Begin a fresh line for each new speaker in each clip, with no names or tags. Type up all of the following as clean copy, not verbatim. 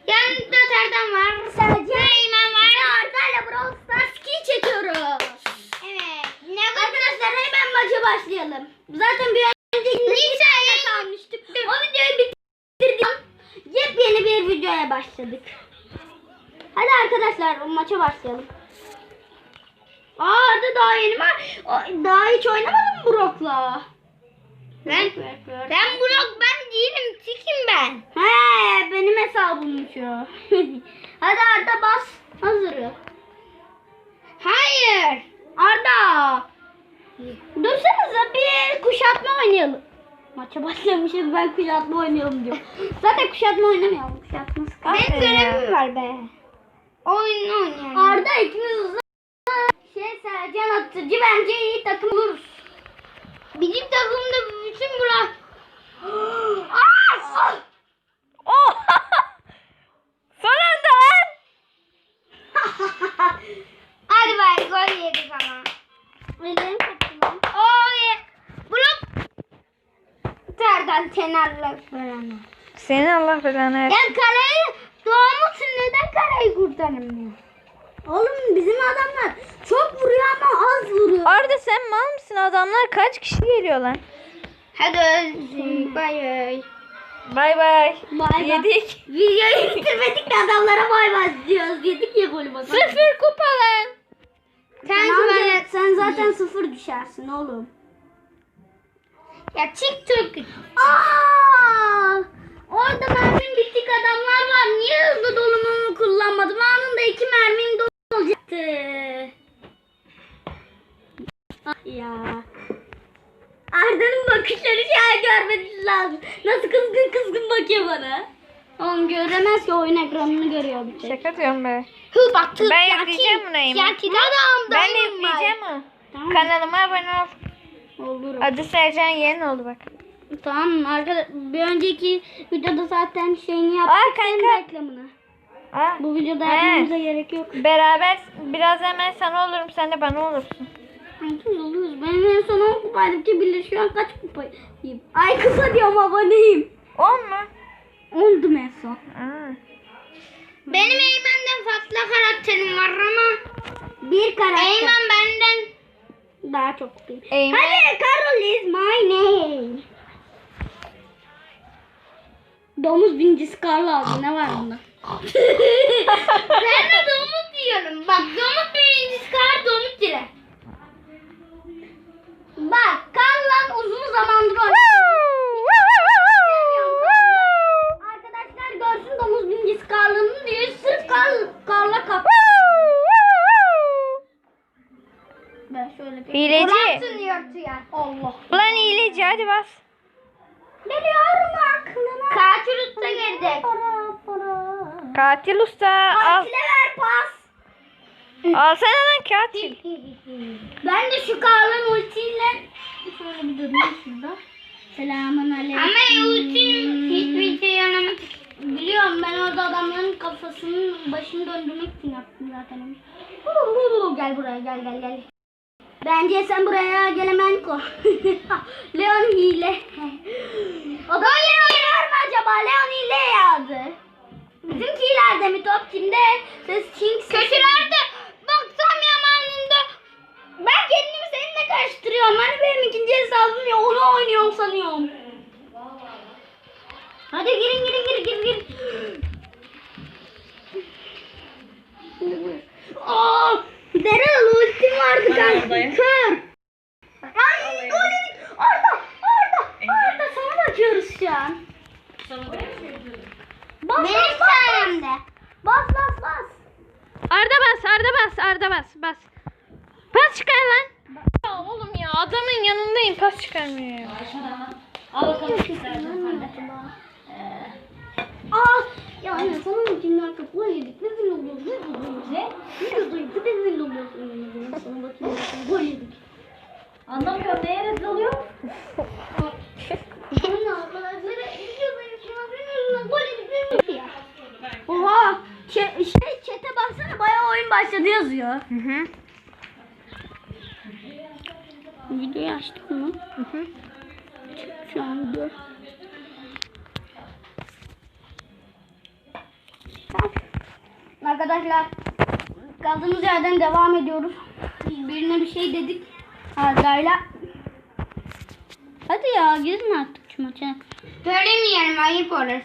Yanımda Serdan var. Sadece Eymen var. Ve Arda'yla Brawl Stars 2'yi çekiyoruz. Evet. Arkadaşlar hemen maça başlayalım. Zaten bir önceki videoda kalmıştık. O videoyu bitirdim. Yepyeni bir videoya başladık. Hadi arkadaşlar maça başlayalım. Arda daha yeni mi? Daha hiç oynamadım mı Brock'la? Ben Brock ben değilim. Tikim ben. He benim hesabımmış o. Hadi Arda bas. Hazırız. Hayır. Arda. Dursanıza bir kuşatma oynayalım. Maça başlamışız ben kuşatma oynayalım diyorum. Zaten kuşatma oynamayalım. Kuşatma sıkar. Benim görevim var be. Oyun oynayalım. Arda ikimiz hızlı. Sercan Atıcı bence iyi takım oluruz. Bizim takımda bütün Burak.
Son anda lan.
Hadi bari gol yedik ama. Ellerim kaptım. Burak. Serdan kenarla böyle.
Senin Allah belanı versin.
Ya kaleyi doğmuşsun neden kaleyi kurtaramıyor? Oğlum bizim adamlar çok vuruyor ama az vuruyor.
Arda sen mal mısın? Adamlar kaç kişi geliyor lan?
Hadi bay bay.
Bay bay.
Bay
Yedik.
Videoyu bitirmedik de adamlara bay bay diyoruz. Yedik ya golü bakalım.
0 kupa lan.
Sen zaten 0 düşersin oğlum. Ya TikTok. Orada mermim bittik adamlar var. Niye hızlı dolumumu kullanmadım? Anında 2 mermim dolacaktı. Ya. Arda'nın bakışları şu an görmeniz lazım. Nasıl kızgın bakıyor bana. Oğlum göremez ki oyun ekranını görüyor bir tek.
Şaka diyorum be.
Ben
yükleyeceğim bunu Eymen. Ben de yükleyeceğim o.
Tamam.
Kanalıma abone ol.
Olur.
Adı Sercan Yeğen oldu bak.
Tamam arkadaşlar bir önceki videoda zaten şeyini yaptık.
kanka.
Senin reklamını. Bu videoda yapmamıza gerek yok.
Beraber biraz hemen sana olurum sen de bana olursun.
Kanka oluyoruz. Ben en son 10 kupaydım ki bilir şu an kaç kupayım. Ay kısa diyorum aboneyim.
10 mu?
Oldum en son.
Benim
Eymen'den farklı karakterim var ama. Bir karakter. Eymen benden daha çok kupayım.
Eymen.
Hadi Carol is my name. Domuz bincisi Carl aldı. Ne var bunda? Ben de domuz diyorum. Bak domuz birincisi Carl domuz dile. Bak Carl'la uzun zamandır arkadaşlar görsün domuz bincisi Carl'ın diyor. Sırf Carl'la kap. Ben şöyle bir
Hileci.
Allah.
Ulan hileci hadi bas.
Geliyorum aklına. Katil usta gelecek.
Katil usta al.
Katile ver pas.
Alsana lan katil.
Ben de şu Karl'ın ultiyle şöyle bir durayım şurada. Selamun aleyküm. Ama ultim hiçbir şey yaramadı. Biliyorum ben orada adamların kafasının başını döndürmek için yaptım zaten. Gel buraya gel. Bence sen buraya gelemen ko. Leon hile. O da Leon var mı acaba? Leon hile yazdı. Bizimkilerde mi top kimde? Ses King. Kötülerde. Baksam yamanında. Ben kendimi seninle karıştırıyorum. Hani benim ikinci hesabım ya onu oynuyorum sanıyorum. Hadi girin. Daryl ultim vardı kanka. Kör. Ay gol yedik. Arda sana bakıyoruz şu an. Bas. Benim sayemde. Bas.
Arda bas. Pas çıkar lan. Ya oğlum ya adamın yanındayım pas çıkarmıyor ya.
Al bakalım istersen sen de. Ya anne sana ultimler kapılar yedik. Ne zil oluyoruz? Ne zil oluyoruz? Sana bakayım. Gol yedik. Anlamıyorum neye rezil oluyor? Anne arkadaşlara izliyorlar. Gol yedik. Oha. Chat'e baksana bayağı oyun başladı yazıyor. Videoyu açtık mı? Şu an video. Arkadaşlar kaldığımız yerden devam ediyoruz. Birine bir şey dedik Arda'yla. Hadi ya girme artık şu maça.
Söylemeyelim, ayıp olur.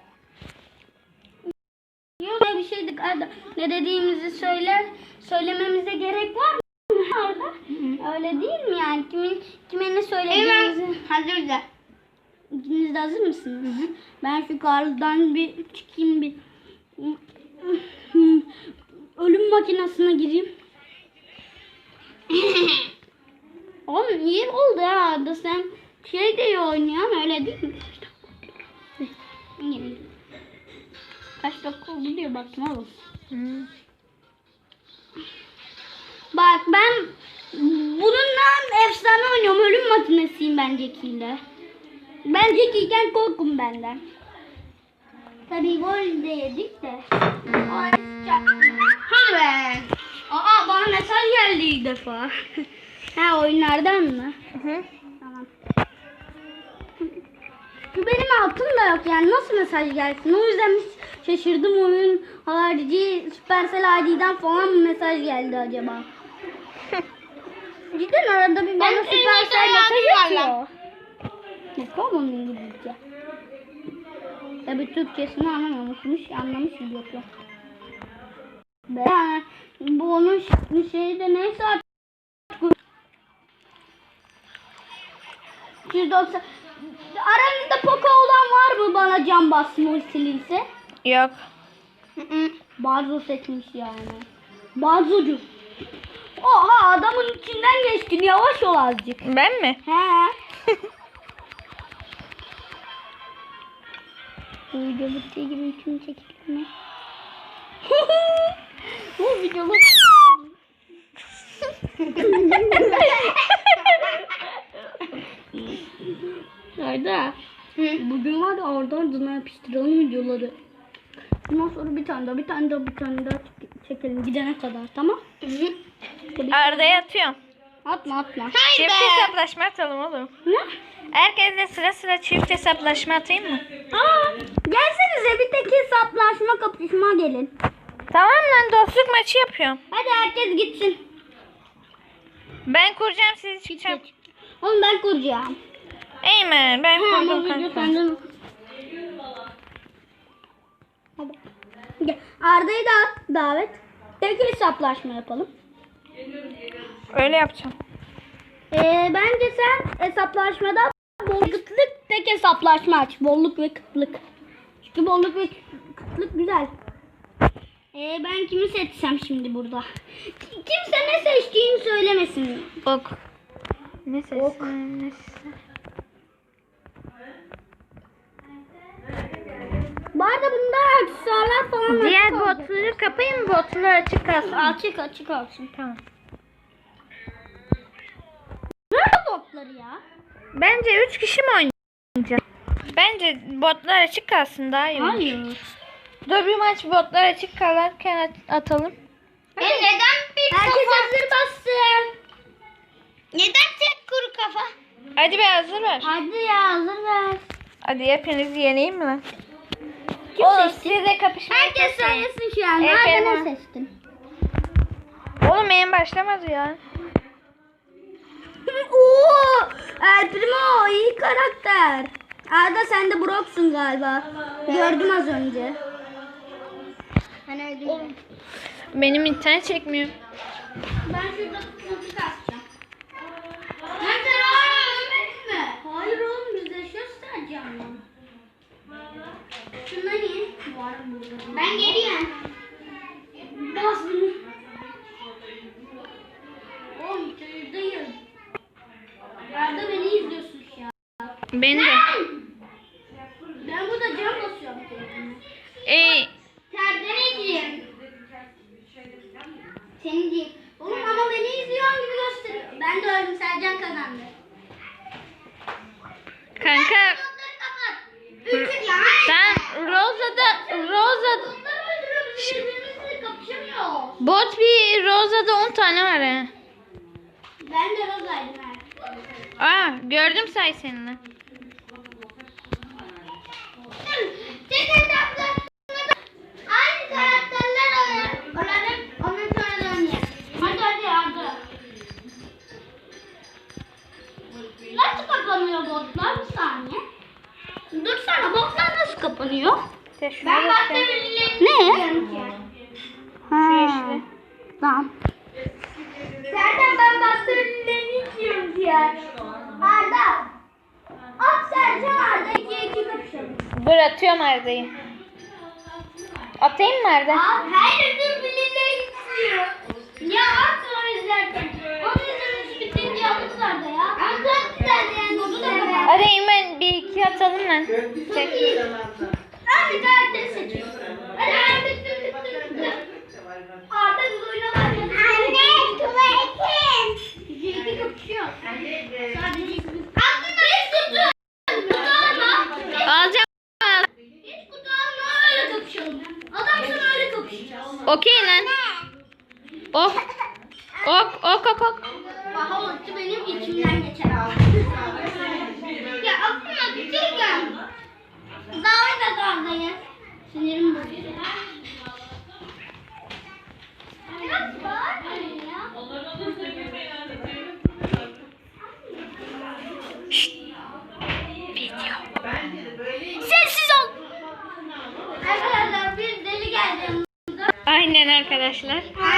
Yok bir şey dedik Arda. Ne dediğimizi söylememize gerek var mı Arda? Öyle değil mi yani? Kime ne söylediğimizi.
Evet. Hazır da.
İkiniz de hazır mısınız? Ben şu kardan bir çıkayım bir. Ölüm makinesine gireyim. Oğlum iyi oldu ya Arda, sen şey de iyi oynuyorsun öyle değil mi? Kaç dakika oldu diyor baktım oğlum. Bak ben bununla efsane oynuyorum. Ölüm makinesiyim ben Jackie'yle. Ben Jackie'yken korkun benden. Tabii gol de yedik de.
Hadi be.
Aa bana mesaj geldi ilk defa. Ha oyunlardan mı? Tamam. Şu benim altım da yok yani nasıl mesaj gelsin? O yüzden hiç şaşırdım, oyun harici Supercell ID'den falan mı mesaj geldi acaba? Cidden arada bir bana Supercell mesaj atıyor. Ne onun İngilizce? Tabii Türkçesini anlamışız yoksa. Ben bu onun şeyi de neyse artık. 190. Aranızda Poco olan var mı bana can bassın ultiliyse?
Yok.
Barzo seçmiş yani. Barzocu. Oha adamın içinden geçtin, yavaş ol azıcık.
Ben mi?
He. Bu video bittiği gibi hüküm çekilir mi? Bu video Arda. Bugün var ya oradan yapıştıralım videoları. Bundan sonra bir tane daha çekelim gidene kadar, tamam?
Arda'ya atıyorum.
Atma.
Çift hesaplaşma atalım oğlum.
Ne?
Herkesle sıra sıra çift hesaplaşma atayım mı?
Aa, gelsenize bir tek hesaplaşma kapışma gelin.
Tamam lan, dostluk maçı yapıyorum.
Hadi herkes gitsin.
Ben kuracağım, sizi çıkacağım.
Oğlum ben kuracağım.
Eymen, ben
Ama
kurdum
video
kanka.
senden. Hadi. Gel. Arda'yı da davet. Tek hesaplaşma yapalım.
Öyle yapacağım.
Bence sen hesaplaşmada bolluk kıtlık tek hesaplaşma aç. Bolluk ve kıtlık. Çünkü bolluk ve kıtlık güzel. Ben kimi seçsem şimdi burada? Kimse ne seçtiğini söylemesin.
Ok. Ne ses?
Ok.
Ne ses?
Bu arada bunda aksesuarlar falan
Diğer
açık olacak.
botları kapayım mı? Botlar açık kalsın.
Açık olsun.
Tamam.
Nerede botları ya?
Bence 3 kişi mi oynayacak? Bence botlar açık kalsın daha iyi olur.
Hayır.
Dur bir maç botlar açık kalırken atalım.
Neden bir
Herkes
kafa?
hazır bassın.
Neden tek kuru kafa?
Hadi be, hazır ver.
Hadi ya hazır ver.
Hadi hepinizi yeneyim mi lan?
Kim
Oğlum
seçti?
size kapışmayı
Herkes
seçtim.
söylesin şu an.
Evet,
Nerede
evet.
ne seçtin?
Oğlum benim başlamadı ya.
Oo, El Primo iyi karakter. Arda sen de Brock'sun galiba. Gördüm az önce.
Ben öldüm.
Benim internet çekmiyor.
Ben şurada kutu kasacağım. Nerede ölmedin mi? Hayır oğlum biz yaşıyoruz sadece ama. Şundan in. Var burada.
Ben geliyorum.
Bas bunu. Oğlum çayırdayım. Arda beni izliyorsun şu an.
Beni de.
Ben burada cam basıyorum kendime.
Serdar Ecim.
Seni değil. Oğlum ama beni izliyorsun gibi gösteriyor. Ben de öldüm, Sercan kazandı.
Kanka
Onları kapat.
sen Rosa'da
Onları öldürüyor, biz birbirimizle kapışamıyoruz.
bot bir Rosa'da 10 tane var he.
Ben de Roza'ydım ha.
Aa gördüm say seninle.
Tek hesaplaşmada aynı karakterler oynuyor.
toplanıyor?
İşte şuna
Ben
bak.
Ne?
Şu yeşili.
Tamam.
Serden ben bastırıldığını istiyorum ya. Arda. At Sercan Arda 2-2 kapışalım.
Dur atıyorum Arda'yı. Atayım mı Arda?
Her ödül bilimleri istiyor. Ya at o izlerken. Onu izlemesi bitince alırlar da ya. Ama çok güzel yani. Onu da ben.
Hadi hemen bir iki atalım lan. Çek.
Hadi karakteri seçiyorum. Hadi ben tık. Arda biz oynamaz. Anne tuvaletim. 2-2 kapışıyor. Sadece ikimiz. Aslında hiç kutu. Kutu alma.
Alacağım.
Hiç kutu alma öyle kapışalım. Adam sana öyle kapışacağız.
Okey lan. Ok. Ok.
Aha ulti benim içimden geçer. Ya aklıma bitirken. Davet et Arda'yı. Sinirim bozuyor. Biraz bağırmayın ya.
Sessiz ol.
Arkadaşlar bir deli geldi.
Aynen arkadaşlar.